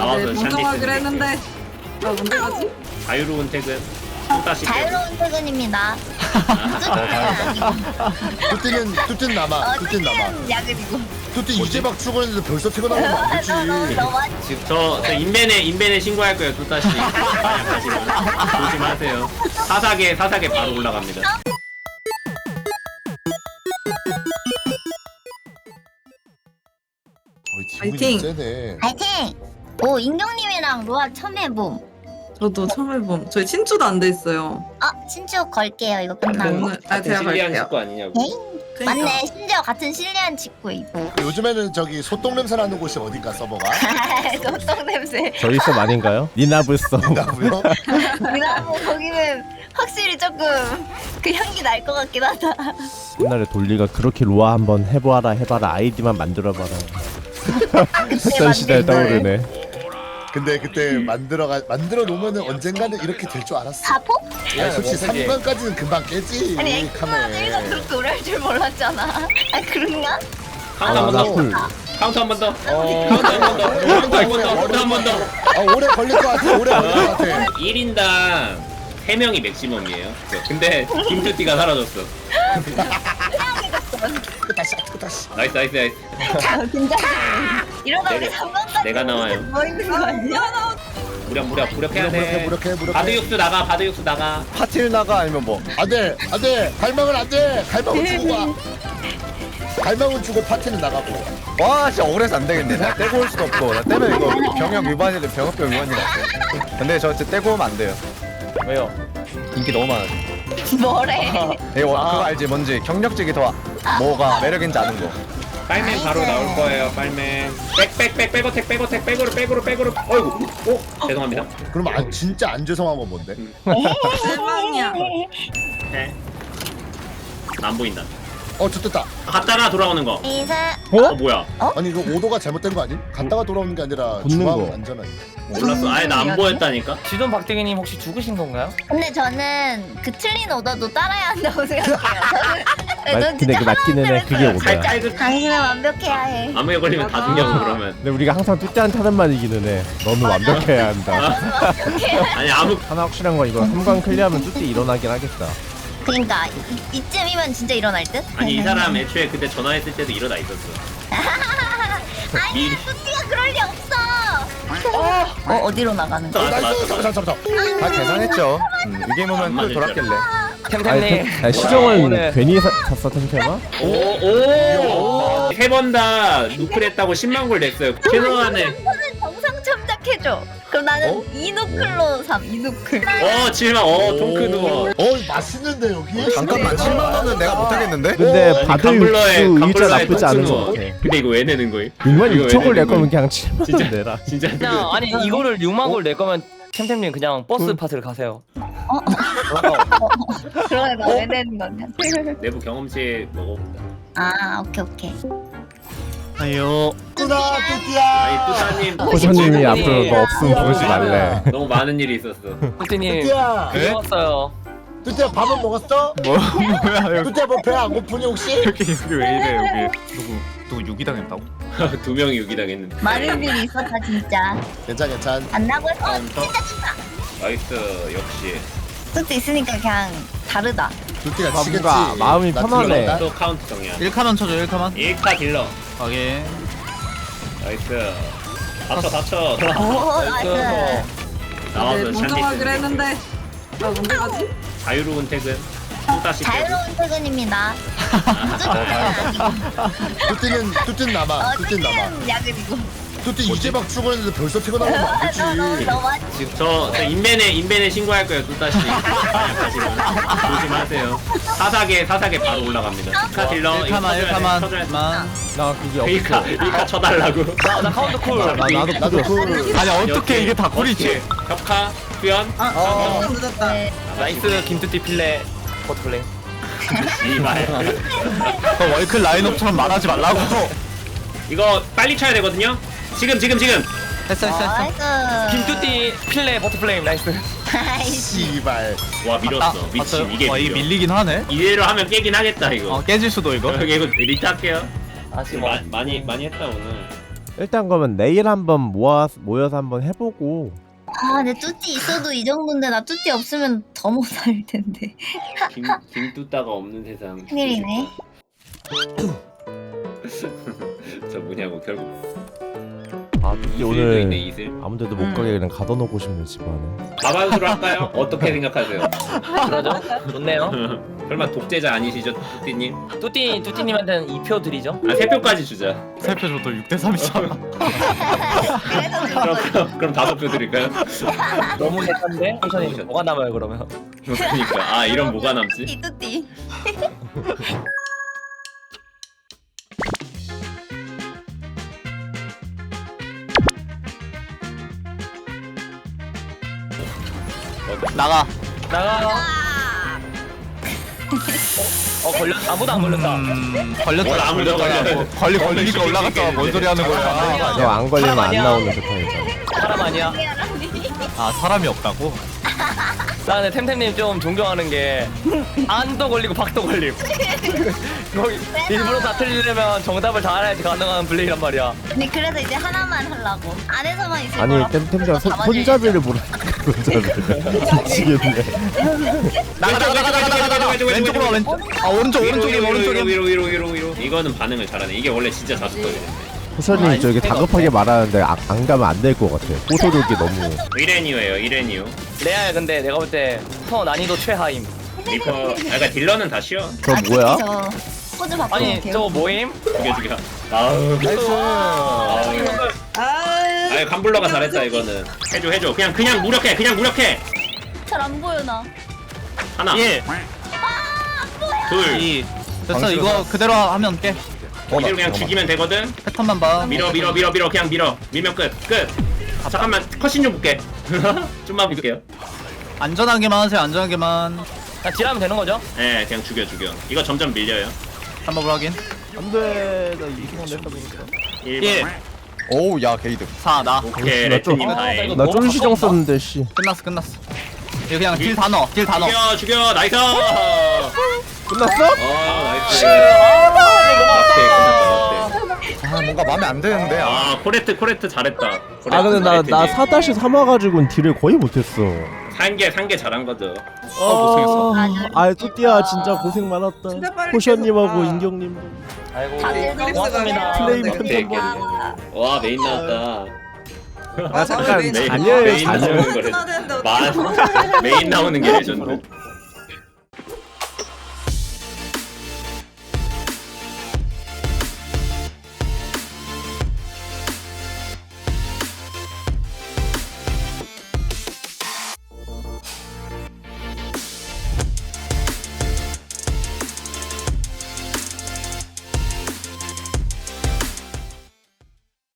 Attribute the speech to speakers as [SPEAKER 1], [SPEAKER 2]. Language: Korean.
[SPEAKER 1] 나와서
[SPEAKER 2] 공정하기로 했는데 나 뭔데 가지?
[SPEAKER 1] 자유로운 퇴근. 다시
[SPEAKER 3] 자유로운 퇴근입니다.
[SPEAKER 4] 뚜띠는 남아. 뚜띠는 남아.
[SPEAKER 3] 야근이고.
[SPEAKER 4] 뚜띠 이제 막 출근했는데 벌써 퇴근하면 안 되지.
[SPEAKER 1] 지금 저 인벤에 신고할 거예요. 또 다시 가시면 조심하세요. 사사계 바로 올라갑니다.
[SPEAKER 4] 파이팅. 세네.
[SPEAKER 3] 파이팅! 오, 인경님이랑 로아 처음 해봄.
[SPEAKER 2] 저도 처음 해봄. 저희 친추도 안 돼 있어요.
[SPEAKER 3] 친추 걸게요, 이거
[SPEAKER 2] 근데
[SPEAKER 3] 끝나고.
[SPEAKER 2] 오늘
[SPEAKER 1] 같은
[SPEAKER 2] 제가
[SPEAKER 1] 실리안
[SPEAKER 2] 갈게요.
[SPEAKER 1] 식구 아니냐고.
[SPEAKER 2] 그러니까.
[SPEAKER 3] 맞네, 심지어 같은 실리안 직구 있고.
[SPEAKER 4] 요즘에는 저기 소똥 냄새 나는 곳이 어딘가 서버가?
[SPEAKER 3] 소똥 냄새.
[SPEAKER 5] 저희 썸 아닌가요? 니나블썸.
[SPEAKER 4] 나고요.
[SPEAKER 3] 거기는 확실히 조금 그 향기 날 것 같긴 하다.
[SPEAKER 5] 옛날에 돌리가 그렇게 로아 한번 해봐라 아이디만 만들어봐라 했던 시절 떠오르네.
[SPEAKER 4] 근데 그때 만들어 놓으면은 언젠가는 이렇게 될 줄 알았어.
[SPEAKER 3] 사포?
[SPEAKER 4] 야, 솔직히 3관까지는 금방 깨지.
[SPEAKER 3] 아니, 엑스만에서 그렇게 오래 할 줄 몰랐잖아. 아, 그런가?
[SPEAKER 1] 카운트 한 번 더. 카운트 한 번 더. 카운트 한 번 더. 카운트 한 번 더.
[SPEAKER 4] 아, 오래 걸릴 것 같아. 오래 걸릴 것 같아.
[SPEAKER 1] 1인당 3명이 맥시멈이에요. 근데 김투띠가 사라졌어.
[SPEAKER 4] 다시.
[SPEAKER 1] 나이스.
[SPEAKER 3] 긴장. 이러다 우리 3번까지
[SPEAKER 1] 내가 나와요.
[SPEAKER 3] 뭐 있는 거 아니야?
[SPEAKER 1] 무력해야 돼.
[SPEAKER 4] 무력해.
[SPEAKER 1] 바드 육수 나가.
[SPEAKER 5] 파티를 나가 아니면 뭐?
[SPEAKER 4] 안돼. 갈망은 안돼. 갈망은 주고 가. 갈망은 주고 파티는 나가고.
[SPEAKER 6] 와 진짜 억울해서 안 되겠네. 나 떼고 올 수도 없고. 나 떼면 이거 병역 위반인데 병역법 위반이라. 근데 저 진짜 떼고 오면 안 돼요. 왜요? 인기 너무 많아.
[SPEAKER 3] 뭐래?
[SPEAKER 6] 이거 그거 알지? 뭔지 경력직이 더 뭐가 매력인지 아는 거.
[SPEAKER 1] 빨맨 바로 나올 거예요. 빨맨. 백어택 백으로. 어이구. 죄송합니다.
[SPEAKER 4] 그럼 진짜 안 죄송한 건 뭔데?
[SPEAKER 2] 실망이야.
[SPEAKER 1] 네. 안 보인다.
[SPEAKER 4] 좋됐다.
[SPEAKER 1] 갔다가 돌아오는 거.
[SPEAKER 3] 이사.
[SPEAKER 1] 뭐야?
[SPEAKER 4] 아니 이거 오도가 잘못된 거 아니? 갔다가 돌아오는 게 아니라
[SPEAKER 5] 붙는
[SPEAKER 4] 중앙
[SPEAKER 5] 거.
[SPEAKER 4] 안전하게.
[SPEAKER 1] 몰랐어. 아예 나 안 보였다니까.
[SPEAKER 7] 지돈 박대기님 혹시 죽으신 건가요?
[SPEAKER 3] 근데 저는 그 틀린 오더도 따라야 한다고 생각해요.
[SPEAKER 5] 근데 그 맞기는 해. 그게 오더야.
[SPEAKER 1] 깔깔
[SPEAKER 3] 당신은 완벽해야 해.
[SPEAKER 1] 암흑에 걸리면 다 죽냐고 그러면.
[SPEAKER 5] 근데 우리가 항상 뚜띠한테 하는 말이기는 해. 너는 완벽해야 한다.
[SPEAKER 1] 아니 암흑
[SPEAKER 5] 하나 확실한 건 이거 3관 클리어하면 뚜띠 일어나긴 하겠다.
[SPEAKER 3] 그러니까 이쯤이면 진짜 일어날 듯?
[SPEAKER 1] 아니 이 사람 애초에 그때 전화했을 때도 일어나 있었어.
[SPEAKER 3] 아니 뚜띠가 그럴 리 없어. 어디로 나가는 거야?
[SPEAKER 1] 맞다.
[SPEAKER 4] 잡아.
[SPEAKER 6] 다 계산했죠. 이 게임 오면 또 돌았길래.
[SPEAKER 7] 템템님
[SPEAKER 5] 시정은
[SPEAKER 7] 오늘
[SPEAKER 5] 괜히 샀어 템템아?
[SPEAKER 1] 오. 3번 다 누클했다고 10만 골 냈어요. 최소한에.
[SPEAKER 3] 저는 정상 참작해줘. 그럼 나는 이누클로 삼. 이누클.
[SPEAKER 1] 7만. 통크 누워.
[SPEAKER 4] 맛있는데 여기?
[SPEAKER 6] 잠깐만 7만 원은 내가 못 하겠는데?
[SPEAKER 5] 근데 바드 육수 일자 나쁘지
[SPEAKER 1] 통크
[SPEAKER 5] 않은 것
[SPEAKER 1] 누워.
[SPEAKER 5] 같아.
[SPEAKER 1] 근데 이거 왜 내는 거임?
[SPEAKER 5] 6만
[SPEAKER 1] 이거 왜
[SPEAKER 5] 6천 골 낼
[SPEAKER 1] 내는
[SPEAKER 5] 거면
[SPEAKER 1] 거임?
[SPEAKER 5] 그냥 7만
[SPEAKER 1] 진짜.
[SPEAKER 5] 원 내라.
[SPEAKER 1] 진짜
[SPEAKER 7] 그냥 아니 이거를 6만 골 낼 거면 템템님 그냥 버스 파트를 가세요.
[SPEAKER 3] 그러네 나왜 내는 거냐?
[SPEAKER 1] 내부 경험치 먹어본다.
[SPEAKER 3] 아 오케이.
[SPEAKER 7] 아유
[SPEAKER 4] 뚜나 뚜띠야.
[SPEAKER 1] 아니 뚜사님
[SPEAKER 5] 호선님이 앞으로 너 없으면 보지 말래.
[SPEAKER 1] 너무 많은 일이 있었어.
[SPEAKER 7] 뚜띠님
[SPEAKER 4] 뚜띠야.
[SPEAKER 7] 고마웠어요.
[SPEAKER 4] 뚜띠야 밥은 먹었어?
[SPEAKER 6] 뭐야 여기
[SPEAKER 4] 뚜띠야 뭐 배 안 고프니 혹시?
[SPEAKER 6] 여기 왜 이래 여기 누구 유기당했다고?
[SPEAKER 1] 2명이 유기당했는데.
[SPEAKER 3] 많은 일이 있었다 진짜.
[SPEAKER 4] 괜찮.
[SPEAKER 3] 안 나고 했어.
[SPEAKER 1] 카운터.
[SPEAKER 3] 진짜.
[SPEAKER 1] 나이스 역시.
[SPEAKER 3] 뚜띠 있으니까 그냥 다르다.
[SPEAKER 4] 뚜띠가
[SPEAKER 5] 뭔가
[SPEAKER 4] 치겠지.
[SPEAKER 5] 마음이
[SPEAKER 4] 나
[SPEAKER 5] 편하네.
[SPEAKER 4] 들어간다.
[SPEAKER 1] 또 카운트 정이야.
[SPEAKER 6] 1카만 쳐줘 1카만.
[SPEAKER 1] 1카 딜러.
[SPEAKER 6] 확인.
[SPEAKER 1] 나이스. 다쳐.
[SPEAKER 3] 오 나이스.
[SPEAKER 1] 나와서
[SPEAKER 2] 공정하기로 했는데 나 뭔데 가지?
[SPEAKER 1] 자유로운 퇴근. 또 다시
[SPEAKER 3] 자유로운 퇴근입니다.
[SPEAKER 4] 뚜띠는 남아. 뚜띠는 남아.
[SPEAKER 3] 뚜띠는 야근이고.
[SPEAKER 4] 뚜띠 이제 막 출근했는데 벌써 퇴근하면 안 되지.
[SPEAKER 3] 너무
[SPEAKER 1] 지금 저 인벤에 신고할 거예요. 또 다시 가시면 조심하세요. 사사계 바로 올라갑니다. 1카 딜러.
[SPEAKER 6] 1카만
[SPEAKER 1] 쳐줘야 돼.
[SPEAKER 5] 나 그게 없어.
[SPEAKER 1] 1카 쳐달라고.
[SPEAKER 7] 나 카운트 쿨.
[SPEAKER 4] 나도 그
[SPEAKER 6] 아니 어떻게 이게 다 꿀이지?
[SPEAKER 1] 격카 수연.
[SPEAKER 2] 좀 늦었다.
[SPEAKER 7] 나이스 김뚜띠 필레 버트플레이.
[SPEAKER 1] 이말.
[SPEAKER 6] 월클 라인업처럼 말하지 말라고.
[SPEAKER 1] 이거 빨리 쳐야 되거든요. 지금.
[SPEAKER 6] 했어.
[SPEAKER 3] 나이스.
[SPEAKER 7] 김뚜띠 필레 버트플레이 나이스.
[SPEAKER 4] 씨발.
[SPEAKER 1] 와 밀었어. 미친 이게
[SPEAKER 6] 와 이게
[SPEAKER 1] 밀려.
[SPEAKER 6] 밀리긴 하네.
[SPEAKER 1] 이대로 하면 깨긴 하겠다 이거.
[SPEAKER 6] 깨질 수도 이거.
[SPEAKER 1] 이거 리타 할게요.
[SPEAKER 7] 아 지금 뭐
[SPEAKER 1] 많이 했다 오늘.
[SPEAKER 5] 일단 그러면 내일 한번 모여서 한번 해보고.
[SPEAKER 3] 아, 내 뚜띠 있어도 이 정도인데 나 뚜띠 없으면 더 못할 텐데.
[SPEAKER 1] 김뚜따가 없는 세상.
[SPEAKER 3] 큰일이네.
[SPEAKER 1] 저 뭐냐고 결국.
[SPEAKER 5] 아 뚜띠
[SPEAKER 1] 이슬도
[SPEAKER 5] 오늘
[SPEAKER 1] 있네 이슬.
[SPEAKER 5] 아무데도 못 가게 그냥 가둬놓고 싶네 집안에.
[SPEAKER 1] 가반수로 할까요? 어떻게 생각하세요?
[SPEAKER 7] 그러죠? 좋네요.
[SPEAKER 1] 설마 독재자 아니시죠, 뚜띠님?
[SPEAKER 7] 뚜띠님한테는 2표 드리죠.
[SPEAKER 1] 아 3표까지 주자.
[SPEAKER 6] 세표 줘도 6대3이잖아.
[SPEAKER 1] 그럼 5표 드릴까요?
[SPEAKER 7] 너무 렉한데? 천천히 뭐가 남아요 그러면?
[SPEAKER 1] 그러니까 아 이런 뭐가 남지?
[SPEAKER 3] 뚜띠.
[SPEAKER 6] 나가.
[SPEAKER 7] 나가. 걸렸. 아무도 안 걸렸다.
[SPEAKER 1] 뭘 아무도
[SPEAKER 6] 걸리니까 올라갔잖아. 뭔 소리 하는 거야.
[SPEAKER 5] 너 안 걸리면
[SPEAKER 7] 사람
[SPEAKER 5] 안
[SPEAKER 7] 아니야.
[SPEAKER 5] 나오는 세상이잖아.
[SPEAKER 7] 사람 아니야.
[SPEAKER 6] 아 사람이 없다고?
[SPEAKER 7] 나는 템템님 좀 존경하는 게 안도 걸리고 박도 걸림. 거기 일부러 다 틀리려면 정답을 다 알아야지 가능한 플레이란 말이야.
[SPEAKER 3] 아니 그래서 이제 하나만 하려고. 안에서만 있을
[SPEAKER 5] 아니
[SPEAKER 3] 거라.
[SPEAKER 5] 템템장
[SPEAKER 3] 다 맞아야지.
[SPEAKER 5] 손잡이를 모르. 손잡이를. 미치겠네.
[SPEAKER 1] 나가
[SPEAKER 6] 왼쪽으로 와 왼쪽. 아 오른쪽 오른쪽이.
[SPEAKER 1] 위로 이거는 반응을 잘하네. 이게 원래 진짜 자주거든요.
[SPEAKER 5] 호선님 저기 다급하게 말하는데 안 가면 안 될 것 같아. 호소력이 너무.
[SPEAKER 1] 이레니오예요 이레니오.
[SPEAKER 7] 레알 근데 내가 볼 때 터 난이도 최하임.
[SPEAKER 1] 리퍼 그러니까 딜러는 다 쉬워.
[SPEAKER 5] 저 뭐야?
[SPEAKER 3] 저 포즈 바꿔.
[SPEAKER 7] 아니 저거 모임?
[SPEAKER 1] 죽여. 아우
[SPEAKER 6] 나이스.
[SPEAKER 1] 아유 간블러가 잘했다 이거는. 해줘. 그냥 무력해.
[SPEAKER 3] 잘안 보여 나.
[SPEAKER 1] 하나.
[SPEAKER 6] 1.
[SPEAKER 1] 둘.
[SPEAKER 6] 됐어 이거 그대로 하면 깨.
[SPEAKER 1] 이대로 그냥 죽이면 되거든.
[SPEAKER 6] 패턴만 봐.
[SPEAKER 1] 밀어 그냥 밀어. 밀면 끝. 잠깐만 컷신 좀 볼게. 좀만 볼게요.
[SPEAKER 6] 안전하게만 하세요. 안전하게만.
[SPEAKER 7] 자 딜하면 되는 거죠?
[SPEAKER 1] 네 그냥 죽여. 이거 점점 밀려요.
[SPEAKER 6] 한번 확인.
[SPEAKER 5] 안돼. 나 이승만 냈다 보니까.
[SPEAKER 1] 1번.
[SPEAKER 6] 오우 야 게이드. 4 나.
[SPEAKER 1] 오케이
[SPEAKER 5] 나 좀-
[SPEAKER 1] 레트님 다행.
[SPEAKER 7] 나
[SPEAKER 5] 나 쫄시정 썼는데 씨.
[SPEAKER 6] 끝났어. 이거 그냥 딜 다 넣어.
[SPEAKER 1] 죽여 나이스.
[SPEAKER 5] 끝났어?
[SPEAKER 1] 나이스.
[SPEAKER 6] 아 뭔가 마음에 안 드는데.
[SPEAKER 1] 아 코레트 잘했다.
[SPEAKER 5] 아 근데 나 4-3 와가지고는 딜을 거의 못했어.
[SPEAKER 1] 산게 잘한 거죠.
[SPEAKER 6] 고생했어.
[SPEAKER 5] 아 뚜띠야 진짜 고생 많았다.
[SPEAKER 2] 진짜 빨리
[SPEAKER 5] 호션님하고
[SPEAKER 2] 깨졌다.
[SPEAKER 5] 인경님도.
[SPEAKER 7] 아이고
[SPEAKER 3] 다들 너무
[SPEAKER 7] 고맙습니다.
[SPEAKER 5] 플레이
[SPEAKER 1] 오케이.
[SPEAKER 5] 편집본.
[SPEAKER 1] 와 메인 나왔다.
[SPEAKER 5] 아 잠깐
[SPEAKER 1] 메인
[SPEAKER 5] 자녀예요
[SPEAKER 1] 메인
[SPEAKER 5] 자녀.
[SPEAKER 1] 나오는 거 레전드. 메인 나오는 게 레전드.